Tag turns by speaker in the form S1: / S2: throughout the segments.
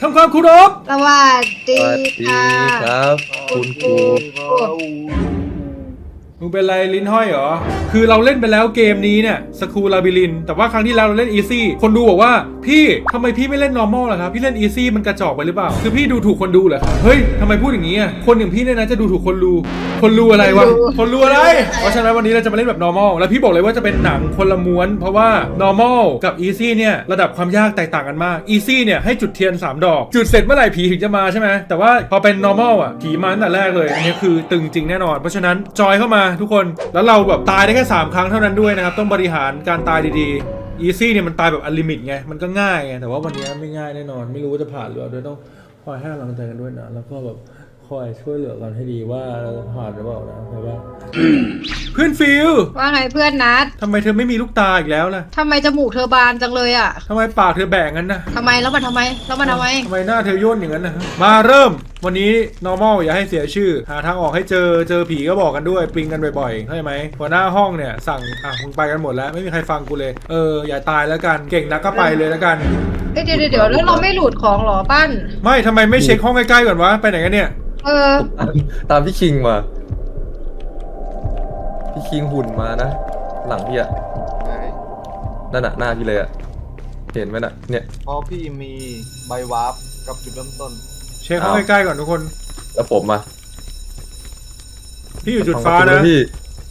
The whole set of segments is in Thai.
S1: ทำความเคารพ
S2: สวัสดีค่ะ
S3: ครับคุณครู
S1: มึงเป็นไรลิ้นห้อยเหรอคือเราเล่นไปแล้วเกมนี้เนี่ยสคูลาบิลินแต่ว่าครั้งที่แล้วเราเล่นอีซี่คนดูบอกว่าพี่ทำไมพี่ไม่เล่น normal ล่ะครับพี่เล่นอีซี่มันกระจอกไปหรือเปล่าคือพี่ดูถูกคนดูเหรอครับเฮ้ยทำไมพูดอย่างนี้อ่ะคนอย่างพี่เนี่ยนะจะดูถูกคนดูอะไรวะคนดูอะไรเพราะฉะนั้นวันนี้เราจะมาเล่นแบบ normal แล้วพี่บอกเลยว่าจะเป็นหนังคนละม้วนเพราะว่า normal กับ easy เนี่ยระดับความยากแตกต่างกันมาก easy เนี่ยให้จุดเทียน3 ดอกจุดเสร็จเมื่อไหร่ผีถึงจะมาใช่ไหมแต่ว่าพอเป็น normal อ่ะผีมาตั้งแต่แรกเลยอันนี้คือตึงจริงแน่นอนเพราะฉะนั้นจอยเข้ามาทุกคนแล้วเราแบบตายได้แค่3 ครั้งเท่านั้นด้วยนะครับต้องบริหารการตายดีๆ easy เนี่ยมันตายแบบอันลิมิตไงมันก็ง่ายไงแต่ว่าวันนี้ไม่ง่ายแน่นอนไม่รู้ว่าจะผ่านหรือเปล่าด้วยต้องคอยให้กำลังใจกันด้วยนะแล้วก็แบบคอยช่วยเหลือกันให้ดีว่าเราจะผ่านหรือเปล่านะเพราะว่าเพื่อนฟิล
S2: ว่าไงเพื่อนนัด
S1: ทำไมเธอไม่มีลูกตาอีกแล้วล่ะ
S2: ทำไมจมูกเธอบานจังเลยอ่ะ
S1: ทำไมปากเธอแบ่งงั้นนะ
S2: ทำไมแล้วมันทำไมแล้วมันทำไม
S1: ทำไมหน้าเธอย่นอย่างนั้นนะมาเริ่มวันนี้ normal อย่าให้เสียชื่อหาทางออกให้เจอผีก็บอกกันด้วยปิงกันบ่อยๆเข้าใจไหมหัวหน้าห้องเนี่ยสั่งมึงไปกันหมดแล้วไม่มีใครฟังกูเลยอย่าตายแล้วกันเก่งนักก็ไปเลยแล้วกัน
S2: เดี๋ยวแล้วเราไม่หลุดของหรอปั้น
S1: ไม่ทำไมไม่เช็คห้องใกล้ๆก่อนวะไปไหนกันเนี่ย
S3: ตามพี่คิงมาพี่คิงหุ่นมานะหลังพี่อะ
S4: ไหน
S3: นั่นน่ะหน้าพี่เลยอะเห็นไหมน่ะเนี่ย
S4: เพราะพี่มีใบวาร์ปกับจุดเริ่มต้น
S1: เช็คห้องใกล้ๆก่อนทุกคน
S3: แล้วผมมา
S1: พี่อยู่จุดฟ้านะ
S3: พี่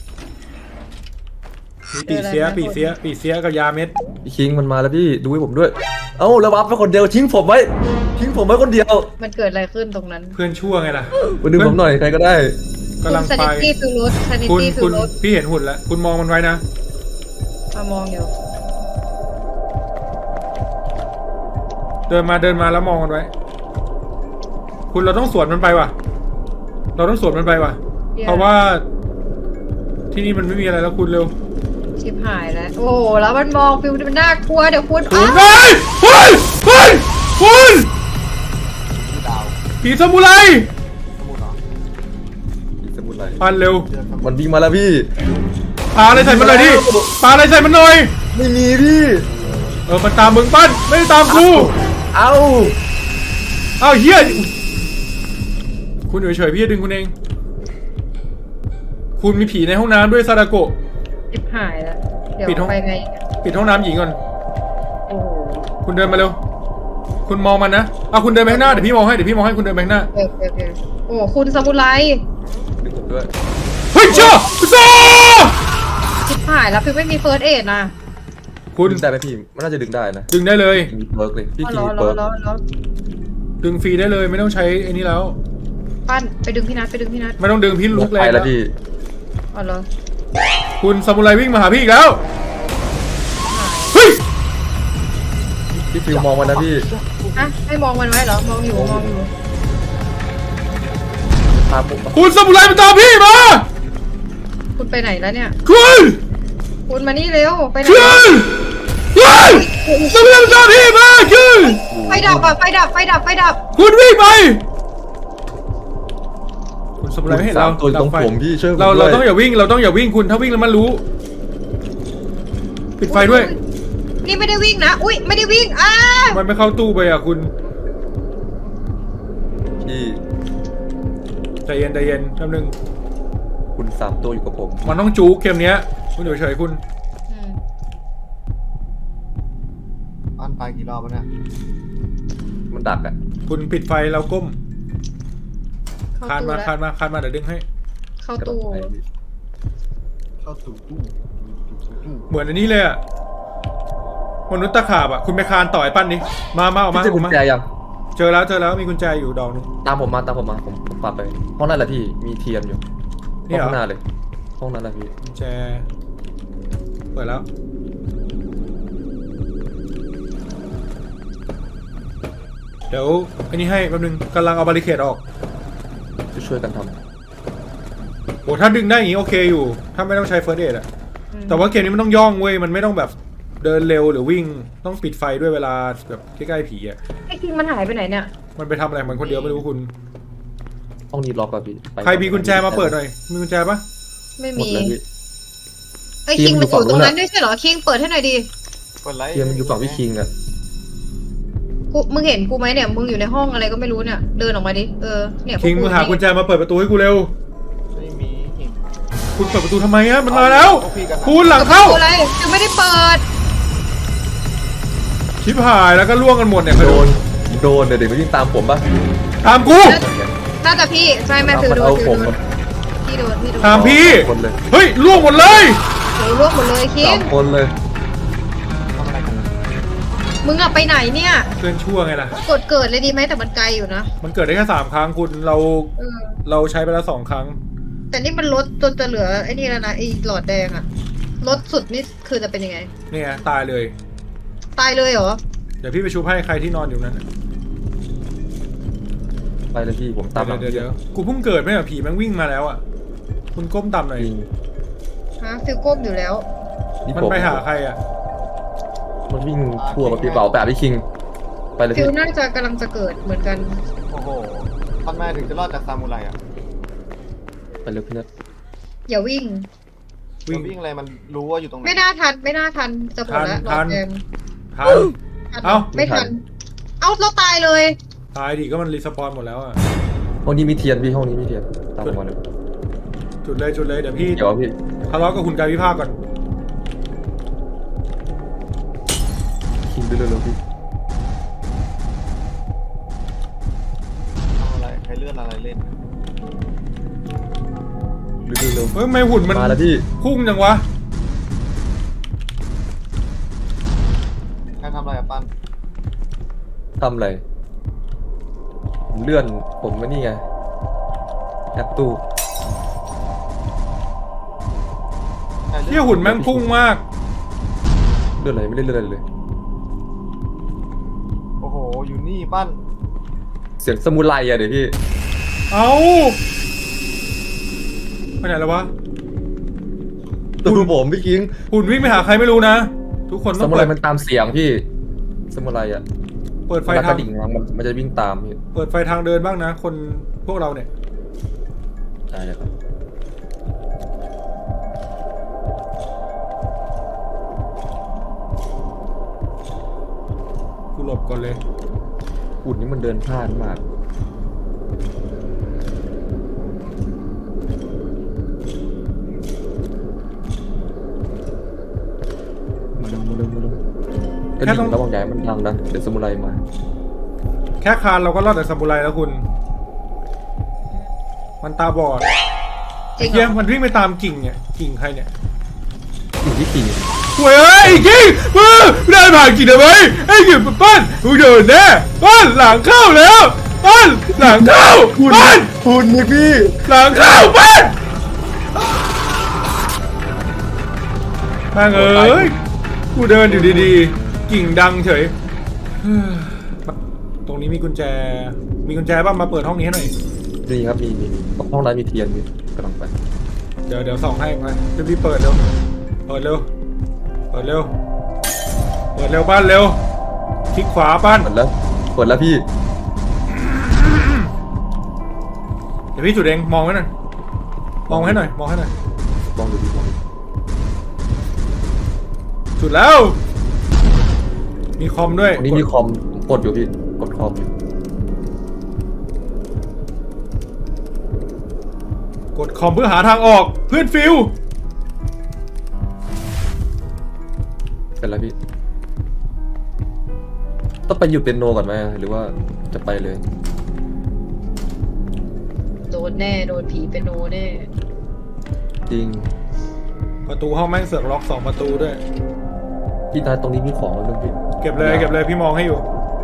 S1: มีปีเสียกับยาเม็ด
S3: พี่คิงมันมาแล้วพี่ดูให้ผมด้วยเอ้าแล้ววับไปคนเดียวทิ้งผมไว้คนเดียว
S2: มันเกิดอะไรขึ้นตรงนั้น
S1: เพื่อนชั่วไงล่ะ
S3: มาดึงผมหน่อยใครก็ได้
S1: กำลัง
S2: ส
S1: ไป
S2: นิตี้ฟิลรถสนิ
S1: คุณ
S2: ตี้ฟิ
S1: คุ
S2: ล
S1: ณ
S2: รถ
S1: พี่เห็นหุ่นแล้วคุณมองมันไว้นะ
S2: มามองอยู่
S1: เดินมาแล้วมองมันไว้ คุณเราต้องสวนมันไปว่ะ เพราะว่าที่นี่มันไม่มีอะไรแล้วคุณเร็ว
S2: ชิบหายแล้วโอ้โหแล้วมันมองฟิลมันน่ากลัวเดี๋ยวคุณ
S1: คุณเฮ้ยคุณ
S4: ที่ดาว
S1: ผีซามูไร
S4: สมุดเหรอ
S3: อีกสมุดอะไร
S1: ปันเร็ว
S4: เจอสมุด
S3: มันวิ่งมาแล้วพี่
S1: ปาอะไรใส่มันหน่อยดิปาอะไรใส่มันหน่อย
S3: ไม่มีพี่
S1: มันตามมึงปั้นไม่ได้ตามกู
S3: เอ้า
S1: อ้าวเฮียคุณอยู่เฉยๆพี่จะดึงคุณเอง คุณมีผีในห้องน้ำด้วยซาดาโกะ
S2: ชิบหายแล้วเดี๋ยว
S1: ปิดห้อง
S2: ไปไง
S1: ปิดห้องน้ำหญิงก่อน
S2: โอ้โห
S1: คุณเดินมาเร็ว คุณมองมันนะคุณเดินไปข้างหน้าเดี๋ยวพี่มองให้คุณเดินไปข้างหน้า
S2: โอเคโอ้คุณซามูไร
S3: ดึงผมด้วย
S1: เฮ้ยเจ้าซ่า
S2: ชิบหายแล้วฟิลไม่มีเฟิร์สเอดนะ
S1: คุณ
S3: ดึงได้ไหมพี่มันน่าจะดึงได้นะ
S1: ดึงได้เลย
S3: มีเปิร์กเลยพี่
S2: อ๋อ
S3: คิงมี
S2: ร
S3: เปิ
S2: อ
S3: ร์ก
S1: ดึงฟรีได้เลยไม่ต้องใช้ไอ้นี่แล้ว
S2: ปั้นไปดึงพี่นัท
S1: ไม่ต้องดึงพี่ลุกเลย
S3: ไปแล้วพี่
S2: อ๋อเหรอ
S1: คุณซามูไรวิ่งมาหาพี่อีกแล้วเฮ้ย
S3: พี่ฟิวมองมันนะพี่
S2: ฮะให้มองมันไว้เหรอมองอยู่
S3: พาผมมา
S1: คุณซามูไรมาตามพี่มา
S2: คุณไปไหนแล้วเนี่ย
S1: คุณ
S2: มานี่เร็วไปไหน
S1: เฮ้ยซามูไรมาตามพี่มาคุณ
S2: ไฟดับอ่ะไฟดับ
S1: คุณวิ่งไปคุณซามูไรไม่เห็นเรา
S3: ตัวตรงผมพี่ช่วยผม
S1: เรา
S3: ด้วย
S1: ต้องอย่าวิ่งคุณถ้าวิ่งแล้วมันรู้ ปิดไฟด้วย
S2: นี่ไม่ได้วิ่งนะอุ้ยไม่ได้วิ่ง
S1: มันไม่เข้าตู้ไปอ่ะคุณ
S3: พี่
S1: ใจเย็นแป๊บนึง
S3: คุณ3 ตัวอยู่กับผม
S1: มันต้องจู๊กเกมเนี้ยคุณเฉยๆคุณ
S4: บ้านตายกี่รอบแล้วเนี่ย
S3: มันดักอ่ะ
S1: คุณปิดไฟแล้วก้มคาน
S2: เข้า
S1: มา
S2: ตู้
S1: คานมาเดี๋ยวดึงให้
S2: เข้าตู้
S4: เข้าสู่ตู้
S1: เหมือนอันนี้เลยอ่ะมนุษย์ตะขาบอ่ะคุณไปคานต่อยปั้นดิมาออกมา
S3: พี่เจอกุญแจยัง
S1: เจอแล้วมีกุญแจอยู่ดอกนึง
S3: ตามผมมาผมปัดไปห้องนั่นแหละพี่มีเทียนอยู่
S1: นี่เหรอ
S3: ห้องหน้าเลยห้องนั้นแหละพี่
S1: กุญแจเปิดแล้วเดี๋ยวอันนี้ให้แป๊บนึงกำลังเอาบาริเคดออก
S3: ช่วยกันท
S1: โอ้ถ้าดึงได้อย่างนี้โอเคอยู่ถ้าไม่ต้องใช้เฟิร์สเอดอะแต่ว่าเกมนี้มันต้องย่องเว้ยมันไม่ต้องแบบเดินเร็วหรือวิ่งต้องปิดไฟด้วยเวลาแบบใกล้ๆผีอะ
S2: ไอ้คิงมันหายไปไหนเนี่ย
S1: มันไปทำอะไรมันคนเดียวไม่รู้คุณ
S3: ำห้องนี้ล็อกอะพี่ไป
S1: ใครมีกุญแจมาเปิดหน่อยมีกุญแจปะ
S2: ไม่
S3: หมด
S2: มี
S3: เลยพี่
S2: ไอ้คิงมันอยู่ตรงนั้นด้วยใช่เหรอคิงเปิดให้หน่อยดิ
S4: กดไลค์
S3: เทียนมันอยู่ฝั่งพี่คิงอะ
S2: คุมึงเห็นกูไหมเนี่ยมึงอยู่ในห้องอะไรก็ไม่รู้เนี่ยเดินออกมาดิเนี่ยพวก
S1: คิงมึงหากุญแจมาเปิดประตูให้กูเร็ว
S4: ไม่มีหิน
S1: คุณเปิดประตูทำไมอะมันมาแล้ว
S4: พวกพี่กันนะ
S1: คุณหลังเข้า
S2: อะไรยังไม่ได้เปิด
S1: ชิบหายแล้วก็ล่วงกันหมดเนี่ย
S3: โดนเดี๋ยวมันวิ่งตามผมปะ
S1: ตามกู
S2: น่าจะพี่ใช่แม่ฟิวโด
S3: เอา
S2: น
S3: ผม
S2: พี่โดน
S1: ตามพี่
S3: คนเลย
S1: เฮ้ยล่วงหมดเลย
S2: โดนรวบหมดเลยคิ
S3: สาง มคนเลย
S4: ทำอะไรกันนะ
S2: มึงอะไปไหนเนี่ย
S1: เพื่อนชั่วไงล่ะ
S2: กดเกิดเลยดีไหมแต่มันไกลอยู่นะ
S1: มันเกิดได้แค่3 ครั้งคุณเรา
S2: เออ
S1: เราใช้ไปแล้ว2 ครั้ง
S2: แต่นี่มันลดจนจะเหลือไอ้นี่แล้วนะไอ้หลอดแดงอะลดสุดนี่คือจะเป็นยังไง
S1: เนี่ยตายเลย
S2: ตายเลยเหรอ
S1: เดี๋ยวพี่ไปชุบให้ใครที่นอนอยู่นั้นน่ะ
S3: ไปเลยพี่ผมตามหลัง
S1: เดี๋ยวกูเพิ่งเกิดไม่เหรอผีแม่งวิ่งมาแล้วอ่ะคุณก้มต่ำหน่อย
S3: จริง
S2: ฮะฟิวก้มอยู่แล้ว
S3: นี่
S1: มัน
S3: ผม
S1: ไปหาใครอ่ะ
S3: มันวิ่งทั่วกับพี่เป๋าแปะพี่คิง ไปเลย
S2: ฟิ
S3: พี่
S2: วน่าจะกำลังจะเกิดเหมือนกัน
S4: โอ้โหทำไมถึงจะรอดจากซามูไรอ่ะ
S3: ไปเลยพี่เน็ต
S2: อย่าวิ่ง
S1: วิ่ง
S4: วิ่งอะไรมันรู้ว่าอยู่ตรงไหน
S2: ไม่น่าทันจะหมดแล้วหลอ
S1: ทั
S2: ด
S1: น
S2: แดง
S1: ทัน
S2: ทัน
S1: เอ้า
S2: ไม่ทัน เอาเราตายเลย
S1: ตายดิก็มันรีสปอนหมดแล้วอ่ะ
S3: ห้องนี้มีเทียนพี่ห้องนี้มีเทียนตามผมมาเลย
S1: จุดเลยเดี๋ยวพี่
S3: เดี๋ยวพี่
S1: ทะเลาะกับคุณกายวิภาคก่อน
S3: คิงไปเร็วๆพี่
S4: ทำอะไรใครเลื่อนอะไรเล่น
S3: เร็ว
S1: เฮ้ยทำไมหุ่นมัน
S3: มาแล้วพี่
S1: พุ่งจังวะ
S4: ใครทำอะไรอ่ะปั้น
S3: ทำอะไรผมเลื่อนผมไม่นี่ไงแอปตู้
S4: ใคร
S1: เที่ยหุ่นแม่งพุ่งมาก
S3: เลื่อนอะไรไม่ได้เลื่อนอะไรเลย
S4: โอ้โหอยู่นี่ปั้น
S3: เสียงสมุไรอะเดี๋ยวพี่
S1: เอาไปไหนแล้ววะ
S3: ดูผมพี่คิง
S1: หุ่นวิ่งไปหาใครไม่รู้นะ ทุกคน
S3: ส
S1: ต้อง
S3: มุไร
S1: เปิด
S3: มันตามเสียงพี่สมุไรอะ
S1: เปิดไฟ
S3: เวลาก
S1: ทา
S3: ระ
S1: ง
S3: ดิ่งมันจะวิ่งตามพี่
S1: เปิดไฟทางเดินบ้างนะ คนพวกเราเนี่ย
S3: ใช่เลยครับ
S1: กูหลบก่อนเลย
S3: อุ่นนี่มันเดินพลาดมากมาเร็วกระ
S1: แค่
S3: ดิ่
S1: ต้อง
S3: งระวังใหญ่มันดังนะเดี๋ยวสมุไรมา
S1: แค่คานเราก็รอดจากซามูไรแล้วคุณ มันตาบอด
S2: จริงเหรอ
S1: เฮียมันวิ่งไปตามกิ่งเนี่ย กิ่งใครเนี่ย
S3: อยู่ที่กิ่ง
S1: หวยเอ้ยกิ่งมึงเดินผ่านกิ่งทำไมไอ้กิ่งปั้นมึงเดินแน่ปั้นหลังเข้าแล้วปั้นหลังเข้าปั้น
S3: คุณนี่พี่
S1: หลังเข้าปั้นมาเอ้ยกูเดินอยู่ดีๆ กิ่งดังเฉย ตรงนี้มีกุญแจ มีกุญแจบ้างมาเปิดห้องนี้ให้หน่อย
S3: นี่ครับมีห้องนั้นมีเทียนมีกำลังไป
S1: เดี๋ยวส่องให้มารีบๆเปิดเร็ว เปิดเร็ว เปิดเร็ว เปิดเร็วบ้านเร็ว คลิกขวาบ้าน
S3: เปิดแล้วพี่
S1: เดี๋ยวพี่จุดเองมองไว้หน่อย มองให้หน่อย มองให้หน่อย
S3: ลองดูพี่ลองดู
S1: จุดแล้ว มีคอมด้วย
S3: ตรงนี้มีคอมกดอยู่พี่กดคอมอยู่
S1: กดคอมเพื่อหาทางออก เพื่อนฟิว
S3: เป็นไรพี่ต้องไปอยู่เป็นโนก่อนไหมหรือว่าจะไปเลย
S2: โดนแน่โดนผีเป็นโนแน่
S3: จริง
S1: ประตูห้องแม่งเสือกล็อก2 ประตูด้วย
S3: พี่นายตรงนี้มีของแล้วนึงพี่
S1: เก็บเลยพี่มองให้อยู่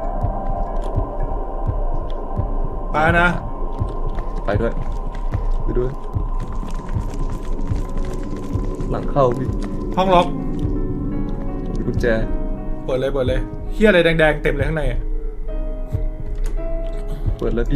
S1: ไปนะ
S3: ไปด้วยไปด้วย หลังเข้าพี่
S1: ห้องล็อก
S3: มีกุญแจ
S1: เปิดเลยเฮียอะไรแดงๆเต็มเลยข้างในอะ
S3: เปิดแล้วพี่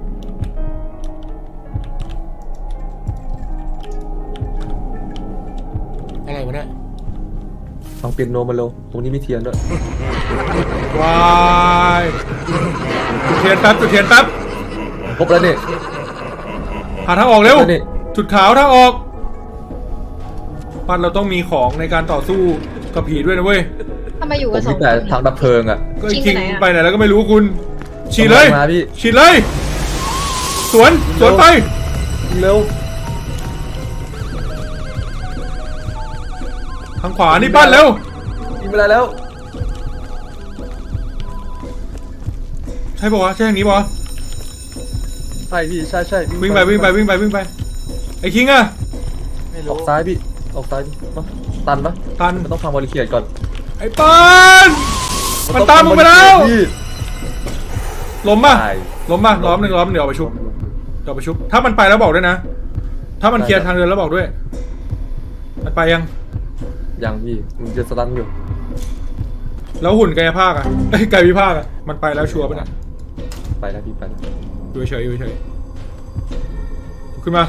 S1: อะไรวะเนี่ย
S3: ฟังเปียโนมาเร็วตรงนี้มีเทียนด้วย
S1: วายจุดเทียนแป๊บ
S3: ครบแล้วนี่
S1: หาทางออกเร็ว
S3: แล้วนี่
S1: จุดขาวทางออกปันเราต้องมีของในการต่อสู้กับผีด้วยนะเว้ย
S2: ทำไมอยู่
S3: ผ
S2: กัน
S3: ม
S2: สอ
S3: มี
S2: งค
S3: แต่
S2: น
S3: ทางดับเพลิงอ่ะ
S1: ก็ไอ้
S2: คิ
S1: คิ
S2: ง
S1: ง
S2: ไปไหนอะ
S1: ไปไหนแล้วก็ไม่รู้คุณ ฉีดเลย
S3: กำลังมาพี่
S1: ฉีดเลย สวนไป
S3: เร็ว
S1: ทางขวานี่ปั้นเร็ว
S3: ยิงไปได้แล้ว
S1: ใช่ป่าวะใช่ทางนี้ป่าวะ
S3: ใช่พี่ใช่ใช่
S1: วิ่งไปไอ้คิงอะ
S4: ไม่
S3: อ
S4: รู้
S3: อกซ้ายพี่ออกซ้ายพี่มาตันปะ
S1: ตัน
S3: มันต้องฟังบริเคียดก่อน
S1: ไอ้ปันมันตามมึงไปแล้ว
S3: พี่
S1: ล้มป่ะ
S3: ตาย
S1: ล้มป่ะล้อมหนึ่งเดี๋ยวเอาไปชุบถ้ามันไปแล้วบอกด้วยนะ ถ้ามันเคลียร์ทางเดินแล้วบอกด้วย มันไปยัง
S3: ยังพี่มึงจะสตันอยู่
S1: แล้วหุ่นกายภาคอะกายวิภาคอะมันไปแล้วชัวร์ป่ะเนี่ย
S3: ไปแล้วพี่ไปแล้ว
S1: อยู่เฉยขึ้นมา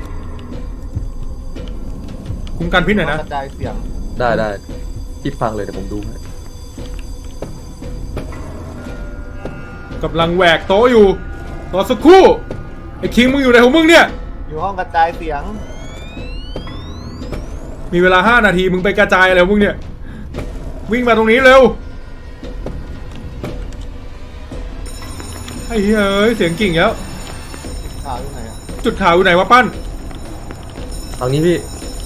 S1: คุ้มกันพิษหน่อยนะ
S4: กระจายเสียง
S3: ได้พี่ฟังเลยเดี๋ยวผมดูให้
S1: กำลังแหวกโต๊ะอยู่รอสักครู่ไอ้คิงมึงอยู่ไหนของมึงเนี่ย
S4: อยู่ห้องกระจายเสียง
S1: มีเวลา5 นาทีมึงไปกระจายอะไรของมึงเนี่ยวิ่งมาตรงนี้เร็วไอ้เฮ้ยเสียงกิ่งแล้ว
S4: ข่าวอยู่ไหนอ่ะ
S1: จุดขาวอยู่ไหนวะปั้น
S3: ทางนี้พี่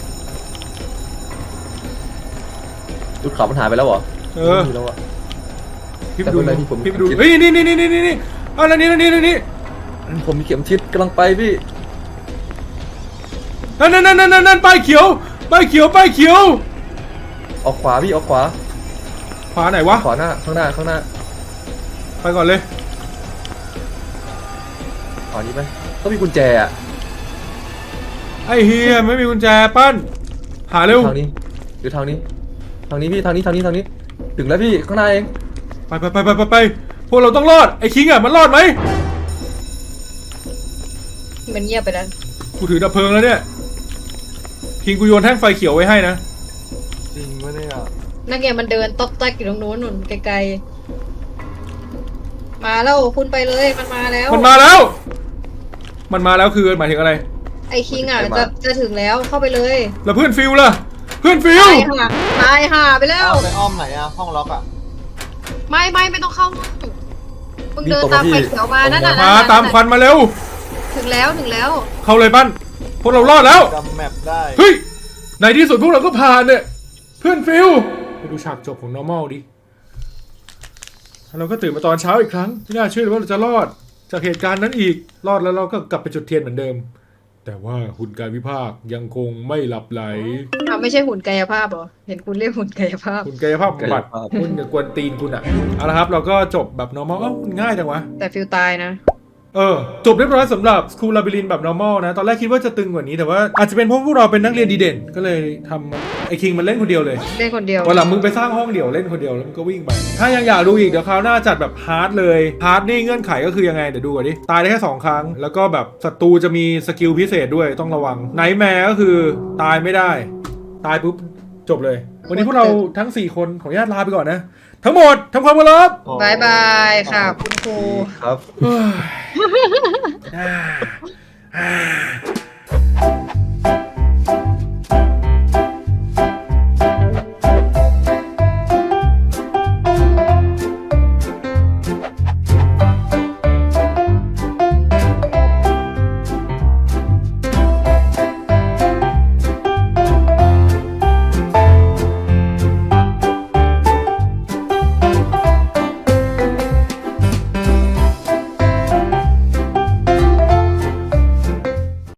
S3: จุดขาวมันหายไปแล้วเหรอ ไม่มีแล้วอะ
S1: พี่ไปดู
S3: แต่คนไหนที่ผม
S1: พี่ไปดูเฮ้ยนี่เอาแล้วนี่
S3: ผมมีเข็มทิศกำลังไปพี่
S1: นั่นป้ายเขียว
S3: ออกขวาพี่ออกขวา
S1: ขวาไหนวะ
S3: ขวาหน้าข้างหน้าข้างหน้า
S1: ไปก่อนเลย
S3: ขวานี้ไหมต้องมีกุญแจอะ
S1: ไอ้เฮียไม่มีกุญแจปั้นหาเร็ว
S3: ทางนี้หรือทางนี้พี่ทางนี้ถึงแล้วพี่ข้างหน้าเอง
S1: ไปพวกเราต้องรอดไอ้คิงอ่ะมันรอดไหม
S2: มันเงียบไปแล้ว
S1: กูถือดับเพลิงแล้วเนี่ยคิงกูโยนแท่งไฟเขียวไว้ให้นะ
S4: จริงวะเนี่ย
S2: นักเรียนมันเดินต๊อกแต๊กอยู่ตรงนู้นนู่นไกลๆมาแล้วคุณไปเลยมันมาแล้ว
S1: มันมาแล้วคือหมายถึงอะไร
S2: ไอ้คิงอ่ะจะถึงแล้วเข้าไปเลย
S1: แล้วเพื่อนฟิวล่ะเพื่อนฟิว
S2: ตายห่าไปแล้ว
S4: เอาไปอ้อมไหนอ่ะ ห้องล็อกอ่ะ
S2: ไม่ต้องเข้ามึงเดินตามไฟเขียวมานั่นน่ะ
S1: มาตามควันมาเร็ว
S2: ถึงแล้ว
S1: เข้าเลยปั้นพวกเรารอดแล้ว
S4: จำแมปได้
S1: เฮ้ยในที่สุดพวกเราก็ผ่านเนี่ยเพื่อนฟิวไปดูฉากจบของ normal ดิเราก็ตื่นมาตอนเช้าอีกครั้งไม่น่าเชื่อเลยว่าเราจะรอดจากเหตุการณ์นั้นอีกรอดแล้วเราก็กลับไปจุดเทียนเหมือนเดิม แต่ว่าหุ่นกายวิภาคยังคงไม่หลับไหล
S2: ไม่ใช่หุ่นกายภาพเหรอเห็นคุณเรียกหุ่นกายภาพ
S1: หุ่นกายภาพบำบัดคุณอย่ากวนตีนคุณอ่ะเอาละครับเราก็จบแบบ normal เอ้ามันง่ายจังวะ
S2: แต่ฟิลตายนะ
S1: จบเรียบร้อยสำหรับ School Labyrinth แบบ normal นะ ตอนแรกคิดว่าจะตึงกว่านี้แต่ว่าอาจจะเป็นเพราะพวกเราเป็นนักเรียนดีเด่น ก็เลยทำไอ้คิงมันเล่นคนเดียวเลย
S2: เล่นคนเดียว
S1: วันหลังมึงไปสร้างห้องเดี่ยวเล่นคนเดียวแล้วมึงก็วิ่งไป ถ้ายังอยากดูอีกเดี๋ยวคราวหน้าจัดแบบฮาร์ดเลยฮาร์ดนี่เงื่อนไขก็คือยังไงเดี๋ยวดูก่อนดิตายได้แค่2 ครั้ง แล้วก็แบบศัตรูจะมีสกิลพิเศษด้วยต้องระวังไนท์แมร์ก็คือตายไม่ได้ตายปุ๊บจบเลย วันนี้พวกเราทั้ง4คนขออนุญาตลาไปก่อนนะ ทั้งหมดทำความเคารพ
S2: บายบายค่ะคุณครู
S3: ครับ
S1: เฮ้ย